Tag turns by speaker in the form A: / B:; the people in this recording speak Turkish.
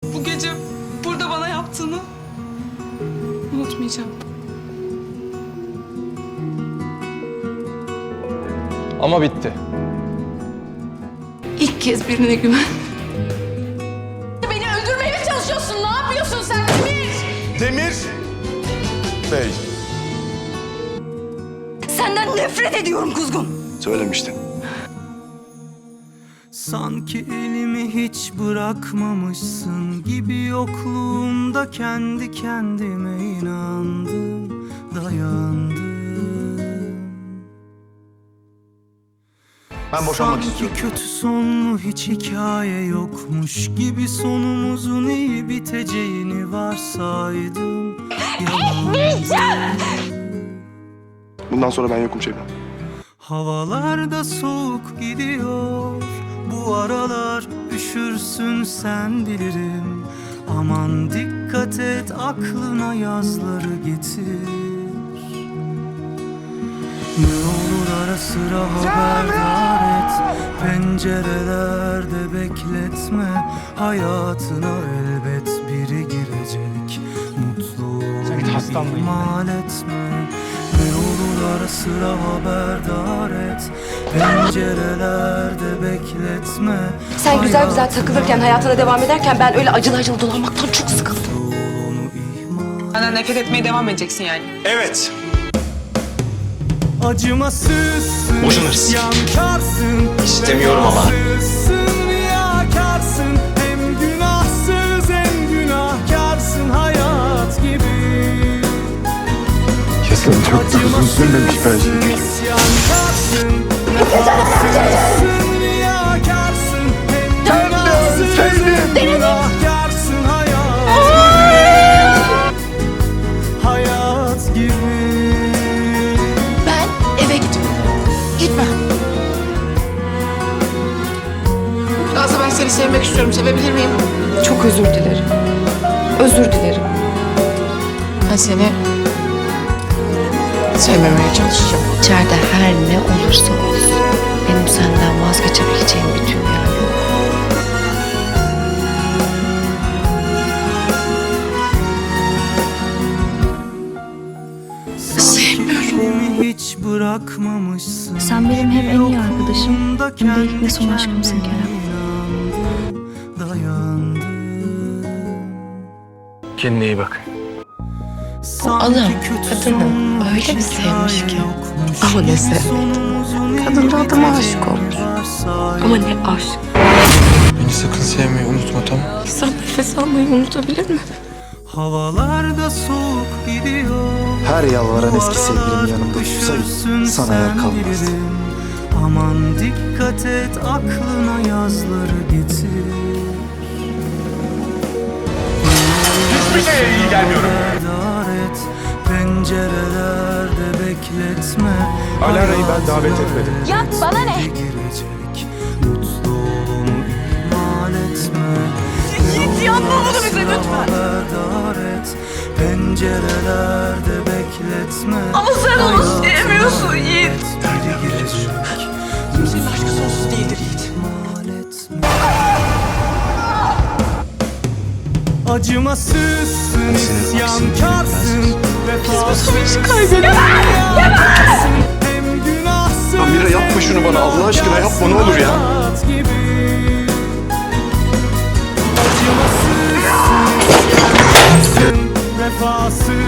A: Bu gece burada bana yaptığını unutmayacağım.
B: Ama bitti.
A: İlk kez birine güven.
C: Beni öldürmeye mi çalışıyorsun? Ne yapıyorsun sen Demir?
D: Demir Bey.
C: Senden nefret ediyorum Kuzgun.
D: Söylemiştim.
E: Sanki elimi hiç bırakmamışsın gibi yokluğunda kendi kendime inandım, dayandım.
D: Ben boşanmak
E: Sanki
D: istiyorum.
E: kötü sonlu hiç hikaye yokmuş gibi sonumuzun iyi biteceğini varsaydım.
D: Bundan sonra ben yokum Şebnem.
E: Havalarda soğuk gidiyor. Bu aralar üşürsün sen bilirim. Aman dikkat et aklına yazları getir. Ne olur ara sıra haberdar et. Pencerelerde bekletme. Hayatına elbet biri girecek. Mutluluğunu ihmal etme. Ne olur ara sıra haberdar et. Pencerelerde bekletme.
C: Sen güzel güzel takılırken, hayatına devam ederken ben öyle acılı acılı dolanmaktan çok sıkıldım.
A: Benden nefret etmeye devam edeceksin yani.
D: Evet.
E: Acımasızsın,
B: Boşanırız.
E: isyankarsın,
B: İstemiyorum ama.
E: vefasızsın, riyakarsın. Hem günahsız hem günahkarsın hayat gibi.
D: Kesin çok da uzun sürmemiş bence.
E: İsyankarsın, vefasızsın, riyakarsın. Hem günahsız hem günahkarsın hayat gibi. Hayat gibi.
C: Ben eve gidiyorum. Gitme.
A: Aslı ben seni sevmek istiyorum. Sevebilir miyim?
C: Çok özür dilerim. Özür dilerim.
A: Ben seni sevmemeye çalışacağım.
C: İçeride her ne olursa olsun benim senden vazgeçebileceğim bir dünya yok.
E: Sevmiyorum. Hiç bırakmamışsın.
F: Sen benim hem en iyi arkadaşım hem de ilk ve son aşkımsın Kerem.
E: Dayandım.
B: Kendine iyi bak.
C: Adam kadını öyle bir sevmiş ki. Ama ne sevmedi. Kadın da adama aşık olmuş. Ama ne aşk.
B: Beni sakın sevmeyi unutma, tamam?
C: İnsan nefes almayı unutabilir mi?
E: Havalarda soğuk gidiyor.
G: Her yalvaran eski sevgilim yanımda dursaydı sana yer kalmazdı.
E: Aman dikkat et aklına yazları getir.
D: Hiçbir şeye iyi gelmiyorum.
E: Pencerelerde bekletme.
D: Alara'yı ben davet etmedim.
C: Ya bana ne?
E: Girecek. Mutluluğunu ihmal etme.
C: Git yapma bunu bize lütfen.
E: Haberdar et. Pencerelerde bekletme.
C: Ama sen onu sevmiyorsun Yiğit.
E: Biri girecek.
A: Kimsenin aşkı sonsuz değildir Yiğit.
E: İhmal etme. Acımasızsın, isyankarsın, vefasızsın, riyakarsın. Hem günahsız
D: Amira yapma şunu bana, Allah aşkına yapma, ne olur ya.
E: hayat gibi. Acımasızsın, isyansın, vefasız